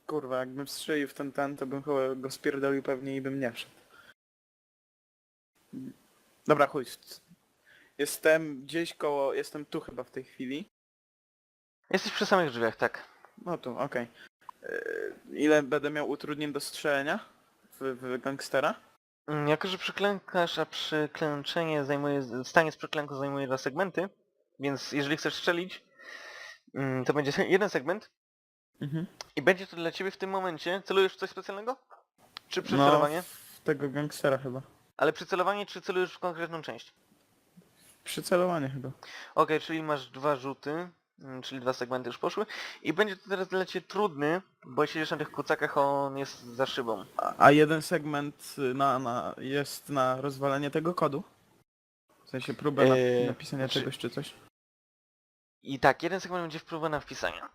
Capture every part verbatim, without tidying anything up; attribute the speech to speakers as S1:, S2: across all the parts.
S1: Kurwa, jakbym strzelił w ten ten, to bym chyba go spierdolił pewnie i bym nie wszedł. Dobra, chuj. Jestem gdzieś koło... Jestem tu chyba w tej chwili.
S2: Jesteś przy samych drzwiach, tak.
S1: No tu, okej. Yy, Ile będę miał utrudnień do strzelenia w, w gangstera?
S2: Mm, Jako, że przyklękasz, a przyklęczenie zajmuje... Stanie z przyklęku zajmuje dwa segmenty, więc jeżeli chcesz strzelić, mm, to będzie jeden segment
S1: Mhm.
S2: i będzie to dla ciebie w tym momencie... Celujesz w coś specjalnego? Czy
S1: No,
S2: przycelowanie?
S1: w tego gangstera chyba.
S2: Ale przycelowanie, czy celujesz w konkretną część?
S1: Przycelowanie chyba.
S2: Okej, czyli masz dwa rzuty, mm, czyli dwa segmenty już poszły i będzie to teraz dla ciebie trudny, bo siedzisz na tych kucakach, a on jest za szybą.
S1: A, a jeden segment y, na, na, jest na rozwalenie tego kodu? W sensie próbę na,
S2: Yy,
S1: napisania
S2: znaczy-
S1: czegoś czy coś?
S2: I tak, jeden segment będzie wpływał na wpisania.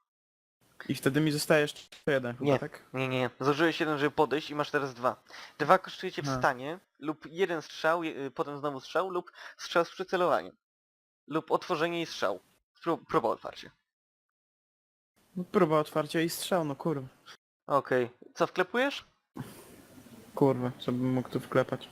S1: I wtedy mi zostaje jeszcze jeden chyba,
S2: Nie.
S1: tak?
S2: Nie, nie, nie. Zużyłeś jeden, żeby podejść i masz teraz dwa. Dwa kosztuje cię
S1: Aha.
S2: wstanie, lub jeden strzał, je- y, potem znowu strzał, lub strzał z przycelowaniem. Lub otworzenie i strzał. Pró- próba otwarcia.
S1: No, próba otwarcia i strzał, no kurwa.
S2: Okej. Co, wklepujesz?
S1: Kurwa, co bym mógł tu wklepać?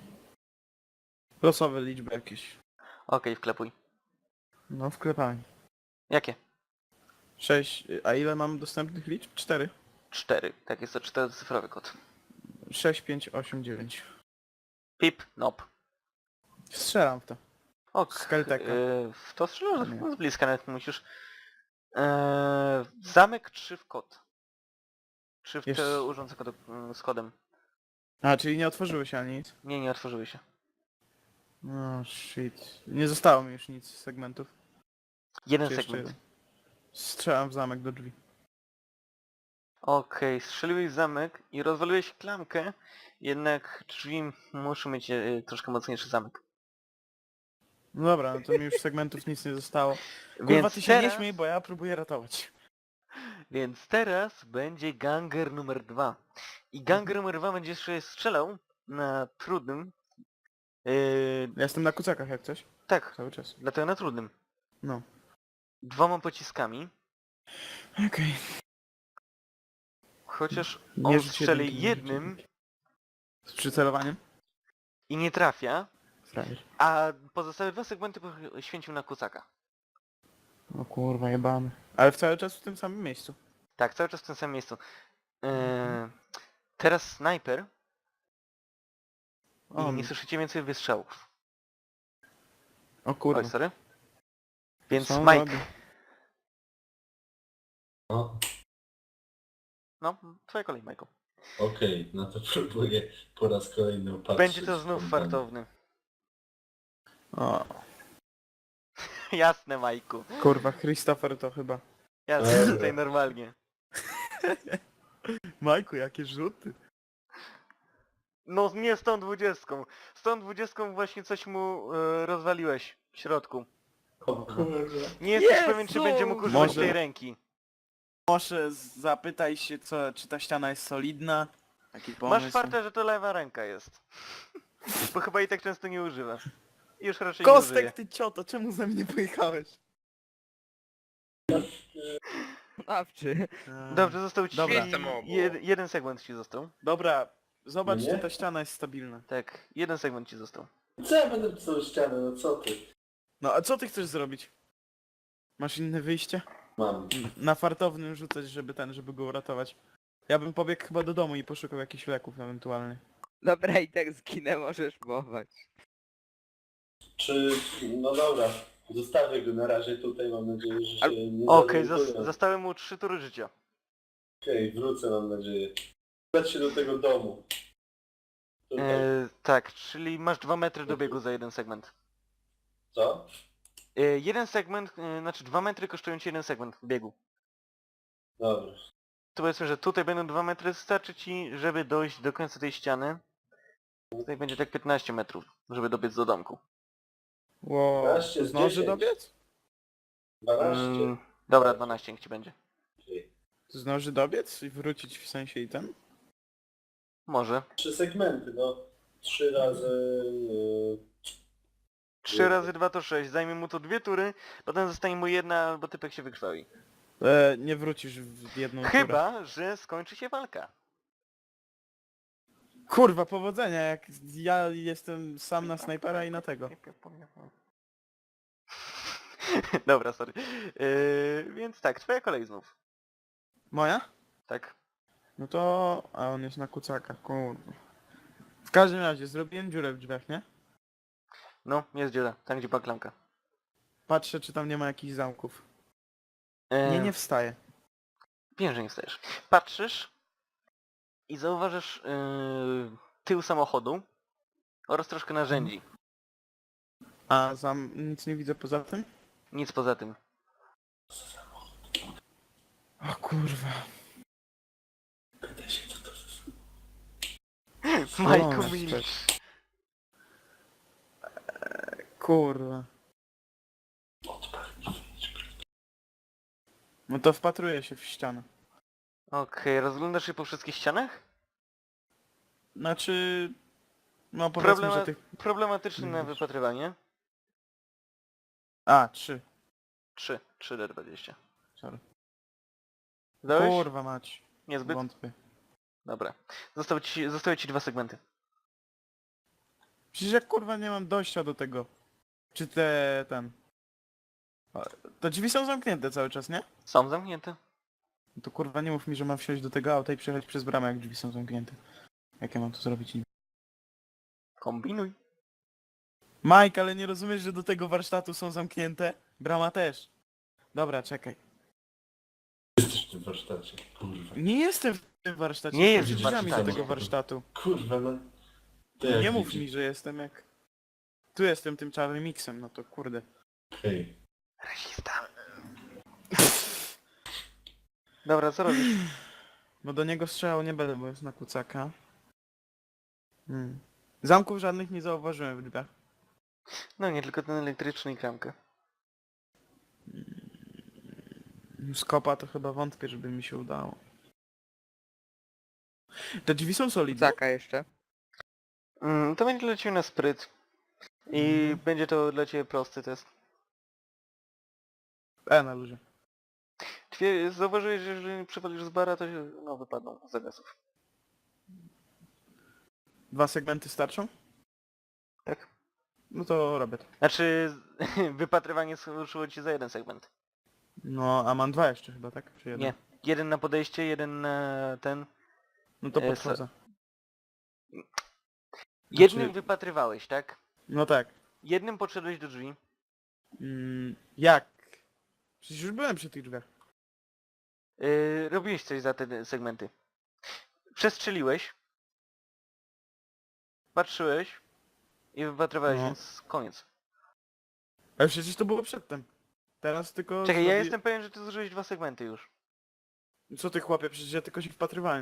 S1: Losowe liczby jakieś.
S2: Okej, wklepuj.
S1: No wklepałem.
S2: Jakie?
S1: Sześć, a ile mam dostępnych liczb? Cztery.
S2: Cztery. Tak, jest to czterocyfrowy kod.
S1: Sześć, pięć, osiem, dziewięć.
S2: Pip, nop.
S1: Strzelam w to.
S2: Ok.
S1: Z Kelteka.
S2: Yy, w to strzelasz
S1: Nie.
S2: no, z bliska, nawet musisz. Yy, zamek trzy w kod. Czy w
S1: Jeszcze-
S2: te urząd z kodem, z kodem.
S1: A, czyli nie otworzyły się ani nic?
S2: Nie, nie otworzyły się.
S1: No shit. Nie zostało mi już nic z segmentów.
S2: Jeden
S1: Czy jeszcze
S2: segment.
S1: jeden? Strzelam w zamek do drzwi.
S2: Okej, strzeliłeś w zamek i rozwaliłeś klamkę, jednak drzwi muszą mieć e, troszkę mocniejszy zamek.
S1: No dobra, no to mi już segmentów nic nie zostało. Kurwa,
S2: Więc
S1: ty się nie
S2: teraz,
S1: śmiej, bo ja próbuję ratować.
S2: więc teraz będzie ganger numer dwa. I ganger numer dwa będzie jeszcze strzelał na trudnym. Yy,
S1: Ja jestem na kucakach jak coś.
S2: tak,
S1: Cały czas.
S2: dlatego na trudnym.
S1: No.
S2: Dwoma pociskami.
S1: Okej.
S2: Chociaż
S1: Nie
S2: on
S1: rzuć
S2: strzeli
S1: jedynki, nie rzuć
S2: jednym
S1: jedynki. Z przycelowaniem?
S2: i nie trafia,
S1: Frajer.
S2: a pozostałe dwa segmenty poświęcił na kucaka.
S1: O kurwa, jebany. Ale w cały czas w tym samym miejscu.
S2: Tak, cały czas w tym samym miejscu. Yy, teraz snajper
S1: O,
S2: i nie słyszycie więcej wystrzałów.
S1: o kurwa.
S2: Oj, sorry. Więc
S1: Co on
S2: Mike,
S1: robi?
S3: No,
S2: no, twoja kolej, Michael.
S3: okej, no to próbuję po raz kolejny opatrzyć.
S2: Będzie to znów
S3: ten-
S2: fartowny.
S1: O,
S2: Jasne, Majku.
S1: kurwa, Christopher to chyba.
S2: Jasne,
S3: Dobra.
S2: tutaj normalnie.
S1: Majku, jakie rzuty.
S2: No nie z tą dwudziestką. Z tą dwudziestką właśnie coś mu e, rozwaliłeś w środku.
S3: O kurwa.
S2: Nie jesteś
S1: Jezu!
S2: pewien, czy będzie mógł używać
S1: Może-
S2: tej ręki.
S1: Może zapytaj się, co, czy ta ściana jest solidna. Taki
S2: Masz
S1: pomysł.
S2: fartę, że to lewa ręka jest. Bo chyba i tak często nie używa. I już raczej nie użyje.
S1: Kostek, ty cioto, czemu ze mnie pojechałeś?
S4: Awczy.
S2: Dobrze, został ci
S1: Dobra.
S2: jed, jeden segment ci został.
S1: Dobra, zobacz,
S3: No
S1: czy
S3: nie?
S1: ta ściana jest stabilna.
S2: Tak, jeden segment ci został.
S3: Co ja będę pisał ścianę, no co ty?
S1: No a co ty chcesz zrobić? Masz inne wyjście?
S3: Mam.
S1: Na fartownym rzucać, żeby ten, żeby go uratować. Ja bym pobiegł chyba do domu i poszukał jakichś leków ewentualnie.
S4: Dobra, i tak zginę, możesz mować.
S3: Czy... no dobra. Zostawię go na razie tutaj, mam nadzieję, że się
S2: Al-
S3: nie
S2: Okej,
S3: zorientują.
S2: zas- zostały mu trzy tury życia.
S3: Okej, wrócę, mam nadzieję. Udać się do tego domu. Tutaj.
S2: E, tak, czyli masz dwa metry do biegu za jeden segment.
S3: Co?
S2: E, jeden segment, e, znaczy dwa metry kosztują ci jeden segment biegu.
S3: Dobra.
S2: To powiedzmy, że tutaj będą dwa metry, starczy ci, żeby dojść do końca tej ściany. Tutaj będzie tak piętnaście metrów, żeby dobiec do domku.
S1: Wow,
S3: dwanaście
S1: to
S3: z
S1: zdąży
S3: dziesięć.
S1: dobiec?
S3: dwanaście.
S2: Mm, dobra, dwanaście niech ci będzie.
S3: Okej.
S1: To zdąży dobiec i wrócić w sensie i ten?
S2: Może.
S3: Trzy segmenty, no. Trzy razy... Yy...
S2: trzy razy dwa to sześć, zajmie mu to dwie tury, potem zostanie mu jedna, albo typek się wykrwawi.
S1: E, nie wrócisz w jedną turę.
S2: Chyba, że skończy się walka.
S1: Kurwa, powodzenia, jak ja jestem sam na snajpera i na tego.
S2: Dobra, sorry. Yy, więc tak, twoja kolej znów.
S1: Moja?
S2: Tak.
S1: No to... A on jest na kucaka, kurwa. W każdym razie, zrobiłem dziurę w drzwiach, nie?
S2: No, jest dziura, tam gdzie była klamka.
S1: Patrzę, czy tam nie ma jakichś zamków.
S2: Yy,
S1: Nie, nie wstaję.
S2: Wiem, że nie wstajesz. Patrzysz i zauważysz yy, tył samochodu oraz troszkę narzędzi.
S1: A zam... nic nie widzę poza tym?
S2: Nic poza tym.
S1: O kurwa.
S3: Pytaj się, co to jest.
S2: Majku
S1: No,
S2: milcz.
S1: Kurwa.
S3: Odpal i wyjdź.
S1: No to wpatruję się w ścianę.
S2: Okej, rozglądasz się po wszystkich ścianach?
S1: Znaczy... No powiedzmy,
S2: Problema-
S1: że tych...
S2: Problematyczny na
S1: Widzisz.
S2: wypatrywanie.
S1: A, trzy.
S2: trzy. trzy D dwadzieścia.
S1: Sorry.
S2: Zdałeś?
S1: Kurwa mać.
S2: Niezbyt?
S1: Wątpię.
S2: Dobra. Zostały ci, zostały ci dwa segmenty.
S1: Przecież ja kurwa nie mam dojścia do tego. Czy te... ten... A, to drzwi są zamknięte cały czas, nie?
S2: Są zamknięte.
S1: No to kurwa nie mów mi, że mam wsiąść do tego auta i przejechać przez bramę, jak drzwi są zamknięte. Jak ja mam to zrobić?
S2: Kombinuj.
S1: Mike, ale nie rozumiesz, że do tego warsztatu są zamknięte? Brama też. Dobra, czekaj.
S3: Jesteś w tym warsztacie, kurwa.
S1: Nie jestem w tym warsztacie.
S2: Nie
S1: jestem
S2: jest w
S1: przed drzwiami do
S2: warsztacie.
S1: tego warsztatu.
S3: Kurwa, no. To jak
S1: Nie mów
S3: widzisz?
S1: mi, że jestem jak... Tu jestem tym czarnym miksem, no to kurde.
S3: Hej.
S2: Rasista. Dobra, co robisz?
S1: No do niego strzelał nie będę, bo jest na kucaka. Hmm. Zamków żadnych nie zauważyłem w drzwiach.
S2: No nie, tylko ten elektryczny i klamkę.
S1: Z kopa to chyba wątpię, żeby mi się udało. Te drzwi są solidne?
S4: Kucaka jeszcze.
S2: Mm, to będzie dla ciebie na spryt. I
S1: Mhm.
S2: będzie to dla ciebie prosty test.
S1: E, na luzie.
S2: Twie, zauważyłeś, że jeżeli przewalisz z bara, to się, no, wypadną z zagasów.
S1: Dwa segmenty starczą?
S2: Tak?
S1: No to robię to.
S2: Znaczy, wypatrywanie ruszyło ci za jeden segment.
S1: No, a mam dwa jeszcze chyba, tak? Czy jeden?
S2: Nie. Jeden na podejście, jeden na ten.
S1: No to
S2: E,
S1: podchodzę.
S2: Jednym wypatrywałeś, tak?
S1: No tak.
S2: Jednym podszedłeś do drzwi.
S1: Mm, jak? Przecież już byłem przy tych drzwiach.
S2: Yy, robiłeś coś za te segmenty. Przestrzeliłeś. Patrzyłeś. I wypatrywałeś,
S1: No.
S2: więc koniec.
S1: Ale przecież to było przedtem. Teraz tylko...
S2: Czekaj, ja
S1: zrobi-
S2: jestem pewien, że ty zużyłeś dwa segmenty już.
S1: Co ty chłopie? Przecież ja tylko się wpatrywałem.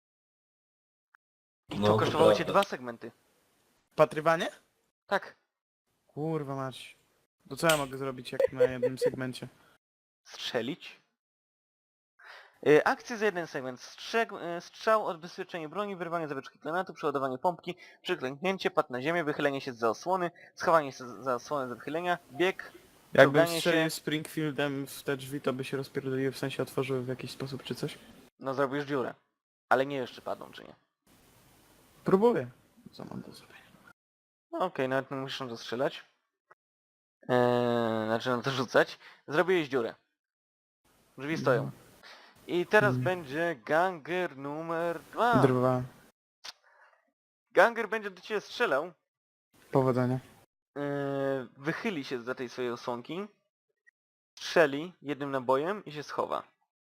S2: I
S3: No,
S2: to
S3: to
S2: kosztowało cię
S3: prawda.
S2: dwa segmenty.
S1: Wpatrywanie?
S2: Tak.
S1: Kurwa mać. To co ja mogę zrobić jak na jednym segmencie?
S2: Strzelić. Yy, akcje za jeden segment. Strzeg, yy, strzał, odbezpieczenie broni, wyrwanie zawieczki granatu, przeładowanie pompki, przyklęknięcie, pad na ziemię, wychylenie się z za osłony, schowanie się z za osłony za wychylenia, bieg,
S1: Jakbym
S2: czołganie
S1: strzelił
S2: się.
S1: Springfieldem w te drzwi, to by się rozpierdoliły, w sensie otworzyły w jakiś sposób czy coś?
S2: No zrobisz dziurę. Ale nie jeszcze padną, czy nie?
S1: Próbuję. Co mam do zrobienia?
S2: No okej, nawet nie musisz na to strzelać. Eee, znaczy na to rzucać. Zrobiłeś dziurę. Drzwi stoją. I teraz
S1: Mm.
S2: będzie ganger numer dwa.
S1: Drwa.
S2: Ganger będzie do ciebie strzelał.
S1: Powodzenia.
S2: Eee, wychyli się za tej swojej osłonki. Strzeli jednym nabojem i się schowa.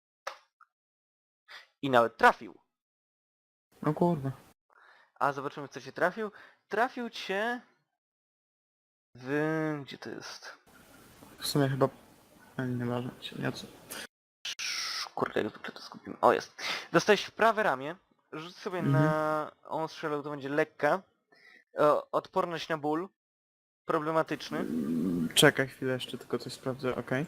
S2: I nawet trafił.
S1: No kurwa.
S2: A zobaczymy, co cię trafił. Trafił cię... W... Gdzie to jest?
S1: W sumie chyba... A, nie ważne. Nie co.
S2: Kurde, jak zwykle to skupimy. O, jest. Dostałeś w prawe ramię. Rzuć sobie
S1: Mhm.
S2: na... On strzelał, to będzie lekka. O, odporność na ból. Problematyczny.
S1: Mm, Czekaj chwilę jeszcze, tylko coś sprawdzę, okej.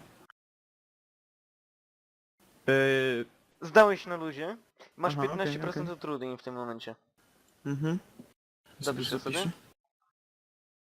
S1: Yy,
S2: Zdałeś na luzie. Masz
S1: Aha, okej,
S2: piętnaście procent
S1: okej.
S2: utrudnień w tym momencie.
S1: mhm.
S2: Zapiszę sobie.
S1: zapiszę.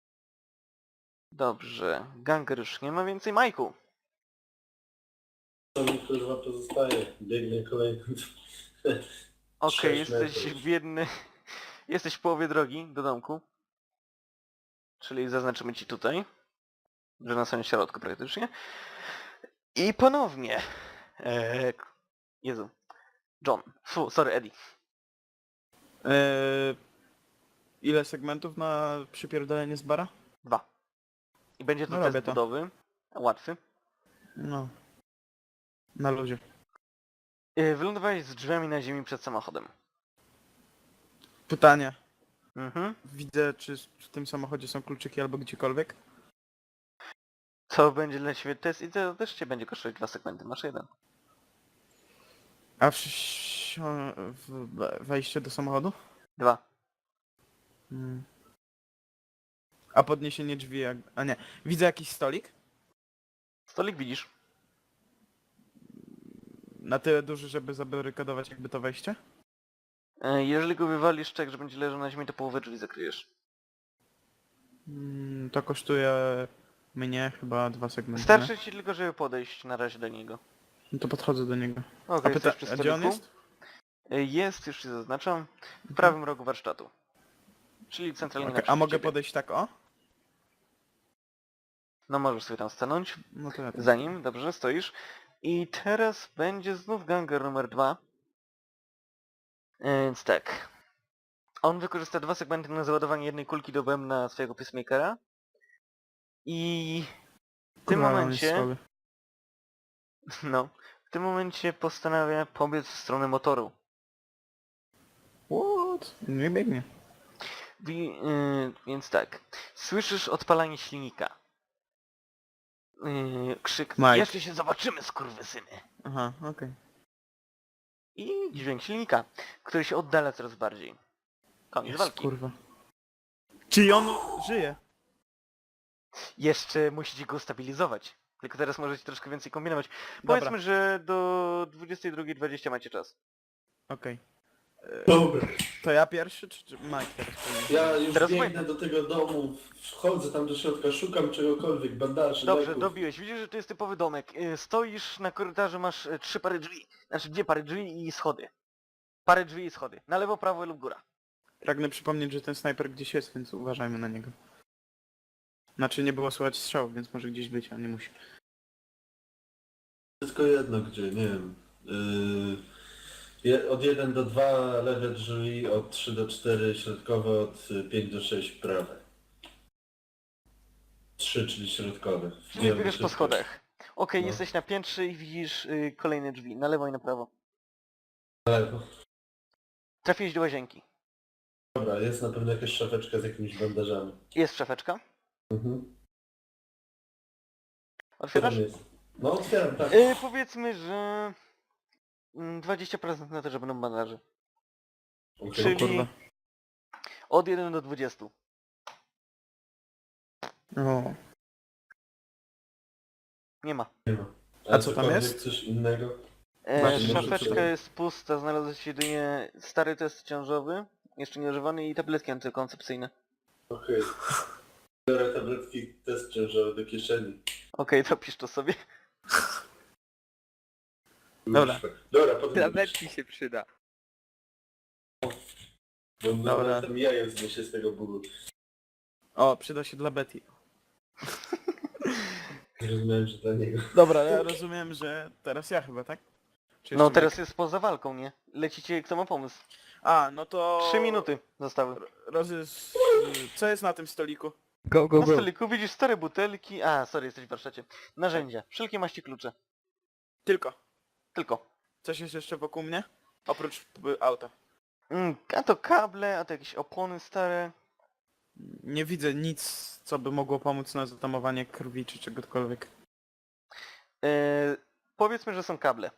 S2: Dobrze. Ganger już nie ma więcej. Majku.
S3: co mi kurwa pozostaje? Biegnę kolejny.
S2: Okej,
S3: Sześć
S2: jesteś
S3: metrów.
S2: w jednej... Jesteś w połowie drogi do domku. Czyli zaznaczymy ci tutaj. Że na samym środku praktycznie. I ponownie. Eee... Jezu. John. Fu, sorry, Eddie.
S1: Eee, ile segmentów na przypierdolenie z bara?
S2: Dwa. I będzie to
S1: No
S2: test
S1: robię to.
S2: budowy. Łatwy.
S1: No. Na luzie.
S2: Eee, wylądowałeś z drzwiami na ziemi przed samochodem.
S1: Pytanie.
S2: Mhm.
S1: Widzę, czy w tym samochodzie są kluczyki albo gdziekolwiek?
S2: To będzie dla ciebie test i to też cię będzie kosztować dwa segmenty. Masz jeden.
S1: A w, wsi- w wejście do samochodu?
S2: Dwa.
S1: Hmm. A podniesienie drzwi jak... A nie. Widzę jakiś stolik?
S2: Stolik widzisz.
S1: Na tyle duży, żeby zabarykadować jakby to wejście?
S2: E, Jeżeli go wywalisz tak, że będzie leżał na ziemi, to połowę drzwi zakryjesz.
S1: Hmm, to kosztuje mnie chyba dwa segmenty.
S2: Starczy ci tylko, żeby podejść na razie do niego.
S1: No to podchodzę do niego.
S2: Okej,
S1: A, pyta...
S2: jesteś przy
S1: A gdzie on
S2: stoliku.
S1: jest?
S2: E, Jest, już ci zaznaczam, w prawym rogu warsztatu. Czyli centralnie
S1: Okay.
S2: naprzeciw
S1: A mogę
S2: ciebie.
S1: podejść tak o?
S2: No możesz sobie tam stanąć.
S1: No to ja tak.
S2: Za nim, dobrze, stoisz. I teraz będzie znów ganger numer dwa. E, Więc tak. On wykorzysta dwa segmenty na załadowanie jednej kulki do bębna swojego pacemakera. I w tym
S1: Kurwa, on jest
S2: momencie,
S1: słaby.
S2: no, w tym momencie postanawia pobiec w stronę motoru.
S1: What? Nie biegnie.
S2: Wi- yy, więc tak. Słyszysz odpalanie silnika. Yy, krzyk.
S1: Mike.
S2: Jeszcze się zobaczymy, skurwysyny.
S1: Aha, okej.
S2: I dźwięk silnika, który się oddala coraz bardziej. Koniec
S1: Jest,
S2: walki.
S1: kurwa. Czy on żyje?
S2: Jeszcze musicie go stabilizować. Tylko teraz możecie troszkę więcej kombinować.
S1: Dobra.
S2: Powiedzmy, że do dwudziestej drugiej dwadzieścia macie czas.
S1: Okej. E,
S3: Dobra.
S1: To ja pierwszy, czy, czy Mike teraz powinien?
S3: Ja już
S2: Teraz
S3: biegnę do tego domu, wchodzę tam do środka, szukam czegokolwiek, bandaży,
S2: Dobrze,
S3: leków.
S2: dobiłeś. Widzisz, że to jest typowy domek. Yy, Stoisz na korytarzu, masz yy, trzy pary drzwi. Znaczy dwie pary drzwi i schody. Parę drzwi i schody. Na lewo, prawo lub góra.
S1: Pragnę przypomnieć, że ten snajper gdzieś jest, więc uważajmy na niego. Znaczy nie było słychać strzału, więc może gdzieś być, a nie musi.
S3: Tylko jedno gdzie, nie wiem. Yy, je, od jeden do dwa lewe drzwi, od trzy do cztery środkowe, od pięć do sześć prawe. trzy, czyli środkowe.
S2: Czyli
S3: Nie,
S2: bierzesz po
S3: środkowe.
S2: schodach. Okej,
S3: No.
S2: jesteś na piętrze i widzisz yy, kolejne drzwi. Na lewo i na prawo.
S3: Na lewo.
S2: Trafiłeś do łazienki.
S3: Dobra, jest na pewno jakaś szafeczka z jakimiś bandażami.
S2: Jest szafeczka.
S3: Mhm. Co
S2: Otwierasz?
S3: tam jest? No otwieram, tak.
S2: Yy, powiedzmy, że mm, dwadzieścia procent na to, że będą bandaże.
S3: Okej.
S2: Czyli
S1: kurwa.
S2: od jeden do dwudziestu.
S1: O.
S2: Nie ma.
S3: Nie ma.
S1: A co tam
S3: cokolwiek,
S1: jest?
S3: Coś innego?
S2: E,
S1: Właśnie,
S3: może
S2: szafeczka
S3: przeczytam.
S2: jest pusta, znalazł się jedynie stary test ciążowy, jeszcze nieużywany i tabletki antykoncepcyjne.
S3: Okej. Biorę tabletki, test ciężarowy do kieszeni.
S2: Okej, to pisz to sobie.
S1: Dobra.
S3: Dobra, potem
S4: Tabletki się przyda.
S3: Bo
S1: Dobra.
S3: tam jajem zniesie z tego bólu.
S1: O, przyda się dla Betty.
S3: Zrozumiałem, że dla niego.
S1: Dobra, ja rozumiem, że teraz ja chyba, tak? Czy
S2: No
S1: jeszcze
S2: teraz
S1: Mike?
S2: jest poza walką, nie? Lecicie, kto ma pomysł.
S1: A, no to...
S2: Trzy minuty zostały.
S1: Rozy... Co jest na tym stoliku?
S4: Go, go,
S2: Na
S4: go.
S2: stoliku widzisz stare butelki, a sorry, jesteś w warsztacie. Narzędzia, wszelkie maści klucze.
S1: Tylko.
S2: Tylko.
S1: Coś jest jeszcze wokół mnie? Oprócz y, auta.
S2: Mm, a to kable, a to jakieś opony stare.
S1: Nie widzę nic, co by mogło pomóc na zatamowanie krwi czy czegokolwiek.
S2: E, powiedzmy, że są kable.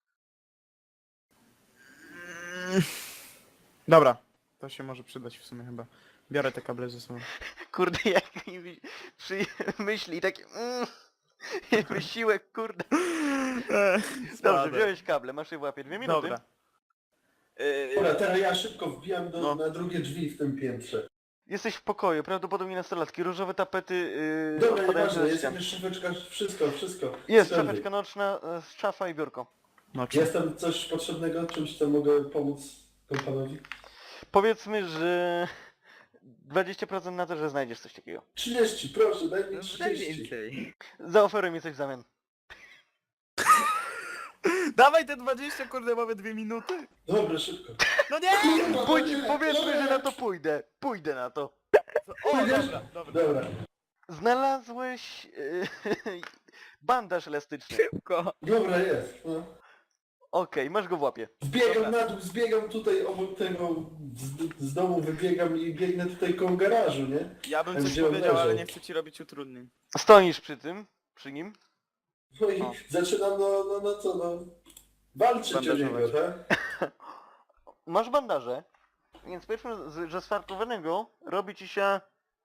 S1: Mm. Dobra, to się może przydać w sumie chyba. Biorę te kable ze sobą.
S2: Kurde, jak mi wi- przy myśli takie... Mm, wysiłek, kurde. Dobrze, wziąłeś kable, masz je w łapie. Dwie minuty.
S1: Dobra. Yy,
S3: Dobra, teraz ja szybko wbijam do,
S1: No.
S3: na drugie drzwi w tym piętrze.
S2: Jesteś w pokoju, prawdopodobnie nastolatki, różowe tapety yy,
S3: Dobra,
S2: odpadające
S3: nieważne,
S2: ze
S3: jest
S2: ścian.
S3: jakaś szafeczka, wszystko, wszystko.
S2: Jest
S3: Wszędzie.
S2: szafeczka nocna, e, szafa i biurko.
S1: No czy...
S3: Jest tam coś potrzebnego, czymś co mogę pomóc kompanowi?
S2: Powiedzmy, że dwadzieścia procent na to, że znajdziesz coś takiego.
S3: trzydzieści, proszę, daj mi
S4: No, Daj
S3: trzydzieści.
S4: więcej.
S2: Zaoferuj mi coś w zamian.
S1: Dawaj te dwadzieścia, kurde, mamy dwie minuty.
S3: Dobra, szybko.
S1: No nie!
S3: Kurwa,
S2: Pójdź,
S3: nie,
S2: powiedzmy, że
S3: nie.
S2: na to pójdę. Pójdę na to.
S1: O, dobra, dobra.
S3: Dobra,
S2: Znalazłeś yy, bandaż elastyczny.
S4: Szybko.
S3: dobra jest. No.
S2: Okej, masz go w łapie.
S3: Zbiegam
S1: Dobra.
S3: na dół, zbiegam tutaj obok tego, z, z domu wybiegam i biegnę tutaj koło garażu, nie?
S1: Ja bym
S3: Tam,
S1: coś
S3: gdzie on
S1: powiedział, ale
S3: leżał.
S1: nie chcę ci robić utrudnień.
S2: Stoisz przy tym, przy nim.
S3: No i
S1: O.
S3: zaczynam, no, no, no co, no, walczyć o
S1: Bandażować.
S3: niego, tak?
S2: Masz bandaże, więc powiedzmy, z- że z fartowanego robi ci się...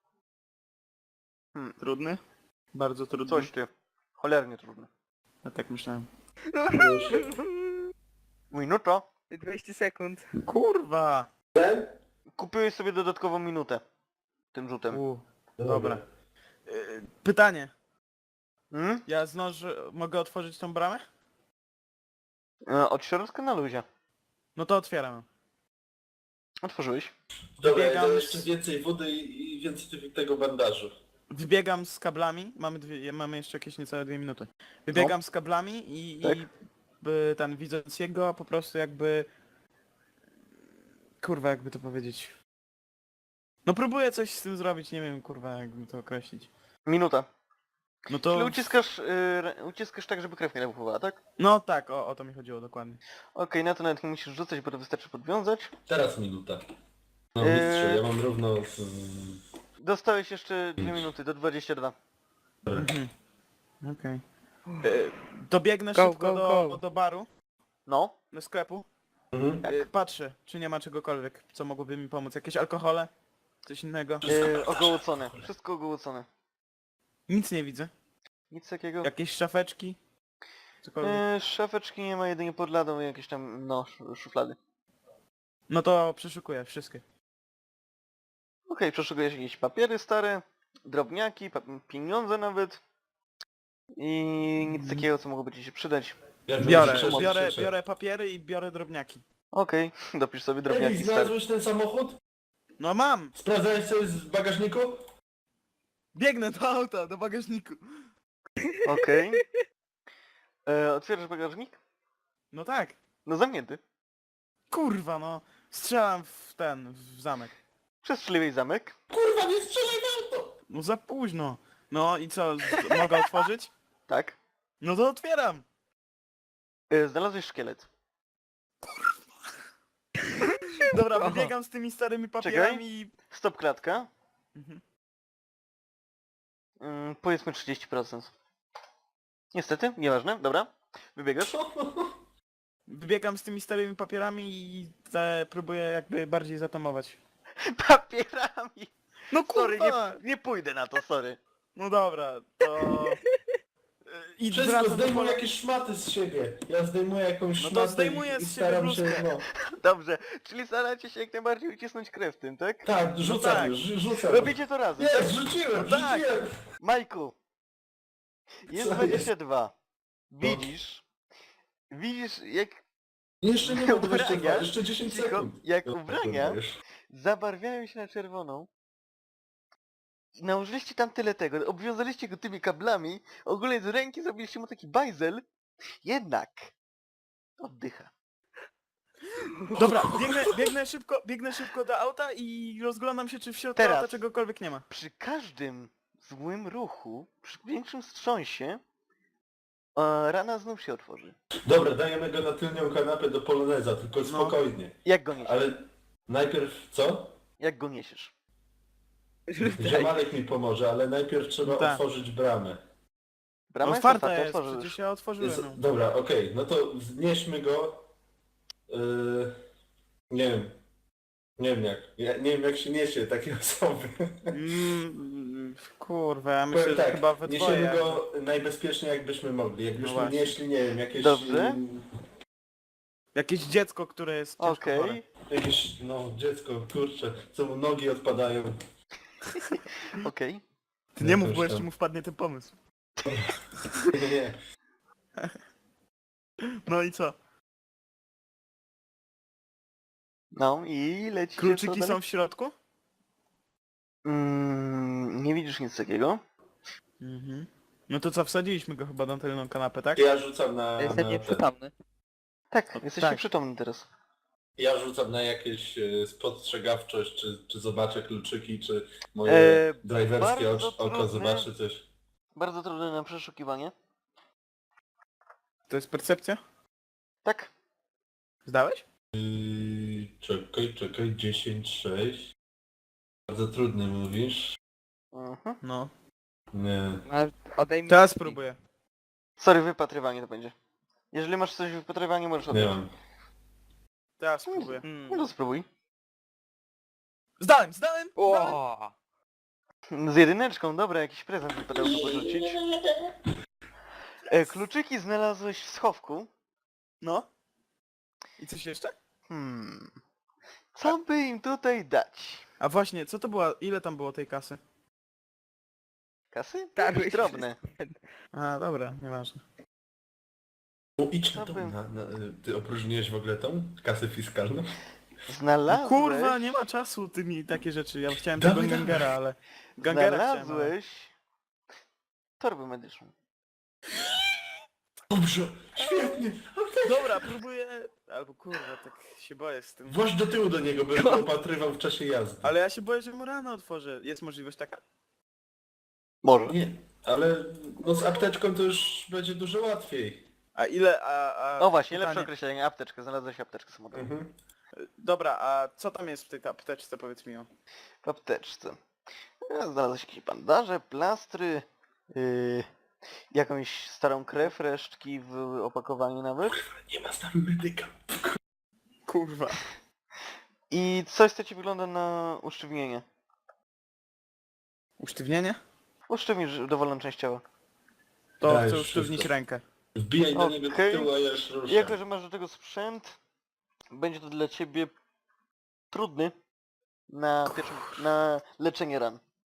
S2: Hmm,
S1: Trudny? Bardzo trudny.
S2: coś ty. Cholernie trudne.
S1: Ja tak myślałem.
S3: Proszę.
S2: Minuta.
S4: dwadzieścia sekund.
S1: Kurwa!
S3: Ten?
S2: Kupiłeś sobie dodatkową minutę. Tym rzutem.
S1: U, dobra. Y, Pytanie.
S2: Hmm?
S1: Ja zdążę... Mogę otworzyć tą bramę?
S2: E, Od środka na luzie.
S1: No to otwieram.
S2: Otworzyłeś.
S3: Dobra, ja
S1: Biegam
S3: dam
S1: z-
S3: jeszcze więcej wody i, i więcej tego bandażu.
S1: Wybiegam z kablami. Mamy dwie, mamy jeszcze jakieś niecałe dwie minuty. Wybiegam z kablami i,
S2: Tak.
S1: i by, ten widząc jego po prostu jakby... Kurwa, jakby to powiedzieć. No próbuję coś z tym zrobić, nie wiem kurwa jakby to określić.
S2: Minuta.
S1: No to...
S2: Czyli uciskasz, y, rę- uciskasz tak, żeby krew nie napływała, tak?
S1: No tak, o, o to mi chodziło dokładnie.
S2: Okej, na to nawet nie musisz rzucać, bo to wystarczy podwiązać.
S3: Teraz minuta. No
S2: Eee.
S3: mistrzu, ja mam równo z...
S2: Dostałeś jeszcze dwie minuty, do dwudziestu dwóch.
S1: Mhm. Okej. E, Dobiegnę
S4: Go,
S1: szybko
S4: go,
S1: do,
S4: go.
S1: do baru,
S2: No.
S1: do sklepu.
S3: Mhm.
S1: E, Patrzę, czy nie ma czegokolwiek, co mogłoby mi pomóc. Jakieś alkohole? Coś innego?
S2: Y, ogołocone. Wszystko ogołocone.
S1: Nic nie widzę.
S2: Nic takiego.
S1: Jakieś szafeczki? Cokolwiek.
S2: Y, szafeczki nie ma, jedynie pod ladą i jakieś tam, no, sz- szuflady.
S1: No to przeszukuję wszystkie.
S2: Okej, przeszukujesz jakieś papiery stare, drobniaki, pa pieniądze nawet. I nic takiego, co mogłoby ci się przydać.
S3: Ja
S1: Biorę,
S3: już
S1: biorę,
S3: krzyczę.
S1: biorę papiery i biorę drobniaki.
S2: Okej, dopisz sobie
S3: Emil,
S2: drobniaki stare.
S3: znalazłeś ten samochód?
S1: No mam!
S3: Sprawdzałeś co jest w bagażniku?
S1: Biegnę do auta, do bagażniku.
S2: Okej. E, Otwierasz bagażnik?
S1: No tak.
S2: No zamknięty.
S1: Kurwa no. Strzelam w ten, w zamek.
S2: Przestrzeliłeś zamek.
S3: Kurwa, nie strzelaj w auto!
S1: No za późno. No i co, z- mogę otworzyć?
S2: Tak.
S1: No to otwieram.
S2: E, Znalazłeś szkielet.
S1: Dobra,
S4: Aha.
S1: wybiegam z tymi starymi papierami i...
S2: Stop klatka.
S1: Mhm.
S2: Mm, powiedzmy trzydzieści procent. Niestety, nieważne, dobra. Wybiegasz?
S1: Wybiegam z tymi starymi papierami i te próbuję jakby bardziej zatamować.
S2: Papierami!
S1: No
S2: Sorry,
S1: kurwa!
S2: nie, nie pójdę na to, sorry.
S1: No dobra, to... I
S3: Wszystko,
S1: wracam do
S3: zdejmuj
S1: pola...
S3: jakieś szmaty z siebie. Ja zdejmuję jakąś
S1: No to
S3: szmatę
S1: zdejmuję
S3: i, i
S1: z siebie
S3: staram się,
S1: bluzkę.
S3: no.
S2: Dobrze, czyli staracie się jak najbardziej ucisnąć krew w tym, tak?
S3: Tak, rzucam
S1: tak.
S3: już, rzucam.
S2: Robicie to razem, tak?
S3: Jest, rzuciłem,
S1: No tak.
S3: rzuciłem!
S2: Majku! Jest
S3: Co
S2: dwadzieścia dwa. Widzisz? Widzisz jak,
S3: Jeszcze nie mam dwudziestu dwóch,
S2: Ubrania?
S3: jeszcze dziesięć
S2: Cicho,
S3: sekund.
S2: jak
S3: No,
S2: ubrania
S3: wiesz.
S2: zabarwiają się na czerwoną. I nałożyliście tam tyle tego, obwiązaliście go tymi kablami, ogólnie z ręki zrobiliście mu taki bajzel. Jednak oddycha.
S1: Dobra, biegnę, biegnę szybko, biegnę szybko do auta i rozglądam się, czy w środku
S2: Teraz.
S1: auta czegokolwiek nie ma.
S2: Przy każdym złym ruchu, przy większym wstrząsie, e, rana znów się otworzy.
S3: Dobra, dajemy go na tylnią kanapę do poloneza, tylko spokojnie.
S2: Jak go niesiesz?
S3: Ale najpierw co?
S2: Jak go niesiesz?
S4: Rzucaj.
S3: Ziomalek mi pomoże, ale najpierw trzeba
S1: Tak.
S3: otworzyć bramę.
S2: Brama jest
S1: Otwarta
S2: otwarta,
S1: jest,
S2: otworzysz.
S1: przecież ja otworzyłem.
S3: Jest,
S1: No.
S3: dobra, okej, no to wznieśmy go. Yy, nie wiem. Nie wiem jak. Ja nie wiem jak się niesie takie osoby.
S1: Mm, kurwa, ja myślę,
S3: Powiem
S1: że
S3: tak,
S1: chyba we dwoje.
S3: niesiemy go najbezpieczniej jakbyśmy mogli. Jakbyśmy
S1: właśnie.
S3: nieśli, nie wiem, jakieś...
S2: Dobrze.
S3: mm,
S1: Jakieś dziecko, które jest ciężko
S2: Okej.
S1: chore.
S3: Jakieś, no, dziecko, kurczę, co mu nogi odpadają.
S2: Okej.
S1: Ty nie mów,
S3: Jakoś
S1: bo jeszcze
S3: tam.
S1: mu wpadnie ten pomysł.
S3: Nie, nie.
S1: No i co?
S2: No i leci
S1: Kluczyki są w środku?
S2: Mm, nie widzisz nic takiego.
S1: Mhm. No to co, wsadziliśmy go chyba na tylną kanapę, tak?
S3: Ja rzucam na...
S4: Jestem
S3: na ten.
S4: nieprzytomny.
S2: Tak, jesteś
S1: tak.
S2: nieprzytomny teraz.
S3: Ja rzucam na jakieś e, spostrzegawczość, czy, czy zobaczę kluczyki, czy moje
S2: E,
S3: driverskie
S2: bardzo
S3: oczy- oko
S2: trudne.
S3: zobaczy coś.
S2: Bardzo trudne na przeszukiwanie.
S1: To jest percepcja?
S2: Tak.
S1: Zdałeś?
S3: Yy, czekaj, czekaj, dziesięć, sześć. Bardzo trudny mówisz.
S2: Mhm.
S1: No.
S3: Nie.
S4: Masz, odejmij
S1: Teraz
S4: drzwi.
S1: spróbuję.
S2: Sorry, wypatrywanie to będzie. Jeżeli masz coś w wypatrywaniu, możesz
S3: Nie
S2: oddać.
S3: mam.
S1: Teraz spróbuję.
S4: Mm.
S2: No to spróbuj.
S1: Zdałem, zdałem! zdałem.
S4: O!
S2: Z jedyneczką, dobra, jakiś prezent wypadałoby porzucić. E, kluczyki znalazłeś w schowku.
S1: No. I coś jeszcze?
S2: Hmm. Co by im tutaj dać?
S1: A właśnie, co to była, ile tam było tej kasy?
S2: Kasy?
S4: Tarłeś
S2: Jakieś drobne.
S1: A, dobra, nieważne.
S3: No idź
S2: Co
S3: na tą,
S2: bym-
S3: na, na, ty opróżniłeś w ogóle tą kasę fiskalną?
S2: Znalazłeś...
S1: Kurwa, nie ma czasu ty mi takie rzeczy. Ja chciałem
S3: Dawaj,
S1: tego
S3: dawaj.
S1: gangera, ale... Gangera chciałem, ale...
S2: Znalazłeś... Torbę medyczną.
S3: Dobrze, świetnie.
S1: Dobra, próbuję... Albo kurwa, tak się boję z tym.
S3: Właź do tyłu do niego, bym go opatrywał w czasie jazdy.
S1: Ale ja się boję, że mu rano otworzę. Jest możliwość taka?
S2: Może.
S3: Nie, ale no z apteczką to już będzie dużo łatwiej.
S1: A ile, a... a
S2: O właśnie,
S1: pytanie-
S2: lepsze określenie. Apteczkę. Znalazłeś apteczkę samochodową.
S3: Mhm.
S1: Dobra, a co tam jest w tej apteczce, powiedz mi o.
S2: W apteczce. E, Znalazłeś jakieś bandaże, plastry, yy, jakąś starą krew, resztki w opakowaniu nawet.
S3: Nie ma z nami medyka.
S1: Kurwa.
S2: I coś, co ci wygląda na usztywnienie.
S1: Usztywnienie?
S2: Usztywnisz dowolną część ciała.
S1: To
S3: Dajesz
S1: chcę usztywnić
S3: wszystko.
S1: rękę.
S3: Wbijaj do niego
S2: Okej.
S3: do tyłu, a ja już ruszę.
S2: Jako, że masz do tego sprzęt, będzie to dla ciebie trudny na, pierwszym, na leczenie ran.